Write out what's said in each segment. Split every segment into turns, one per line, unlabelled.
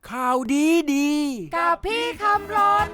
ข่าวดีดี
กับพี่คำรน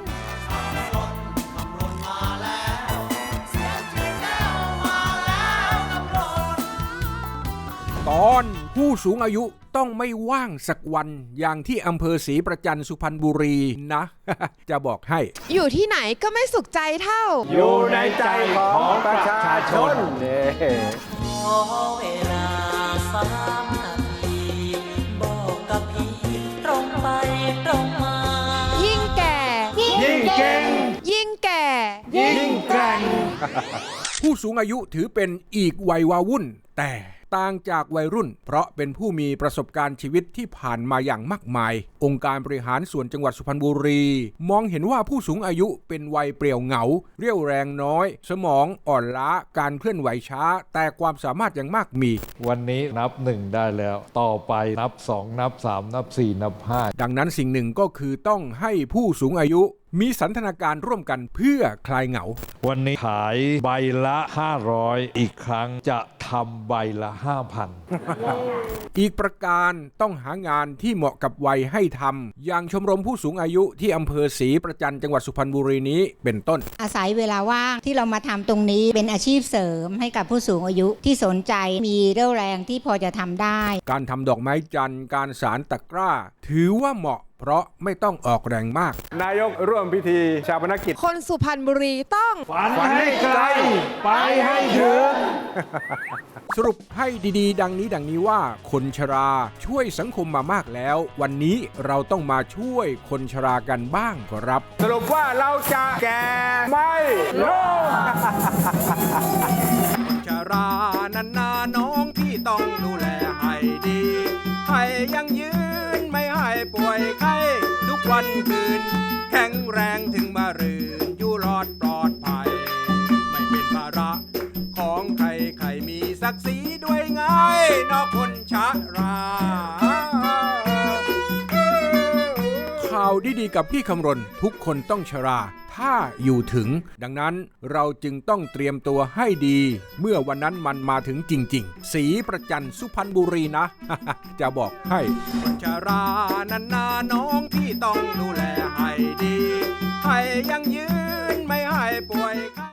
ตอนผู้สูงอายุต้องไม่ว่างสักวันอย่างที่อำเภอศรีประจันสุพรรณบุรีนะ จะบอกให้
อยู่ที่ไหนก็ไม่สุขใจเท่า
อยู่ในใจของประชาชน
ขอเวลา3 นาทีบอกกับพี่ตรงไปตรงมา
ยิ่งแก่
ยิ่งเก่ง
ยิ่งแก่
ยิ่งแกร่ง
ผู้สูงอายุถือเป็นอีกวัยวาวุ่นแต่ต่างจากวัยรุ่นเพราะเป็นผู้มีประสบการณ์ชีวิตที่ผ่านมาอย่างมากมายองค์การบริหารส่วนจังหวัดสุพรรณบุรีมองเห็นว่าผู้สูงอายุเป็นวัยเปรี่ยวเหงาเรี่ยวแรงน้อยสมองอ่อนล้าการเคลื่อนไหวช้าแต่ความสามารถยังมากมี
วันนี้นับ1ได้แล้วต่อไปนับ2นับ3นับ4นับ5
ดังนั้นสิ่งหนึ่งก็คือต้องให้ผู้สูงอายุมีสันทนาการร่วมกันเพื่อคลายเหงา
วันนี้ขายใบละ500อีกครั้งจะทำใบละ 5,000
อีกประการต้องหางานที่เหมาะกับวัยให้ทำอย่างชมรมผู้สูงอายุที่อำเภอศรีประจันจังหวัดสุพรรณบุรีนี้เป็นต้น
อาศัยเวลาว่างที่เรามาทำตรงนี้เป็นอาชีพเสริมให้กับผู้สูงอายุที่สนใจมีเรี่ยวแรงที่พอจะทำได้
การทำดอกไม้จันทร์การสานตะกร้าถือว่าเหมาะเพราะไม่ต้องออกแรงมาก
นายกร่วมพิธีชาปนกิจ
คนสุพรรณบุรีต้อง
ฝันให้ไกลไปให้ถึง
สรุปให้ดีๆดังนี้ว่าคนชราช่วยสังคมมามากแล้ววันนี้เราต้องมาช่วยคนชรากันบ้างครับ
สรุปว่าเราจะแก่ไม่ลง
ชรานันนาน้องที่ต้องดูแลให้ดีให้ยังยืนไม่ให้ป่วยไข้ทุกวันคืนแข็งแรงถึงมารืนอยู่รอดปลอดภัยไม่เป็นภาระของใครมีศักดิ์ศรีด้วยไงนอกคนชราข่าวดีๆกับพี่คำรณทุกคนต้องชราถ้าอยู่ถึงดังนั้นเราจึงต้องเตรียมตัวให้ดีเมื่อวันนั้นมันมาถึงจริงๆศรีประจันสุพรรณบุรีนะ จะบอกให้คนชรานันนาน้องที่ต้องดูแลให้ดีให้ยังยืนไม่ให้ป่วย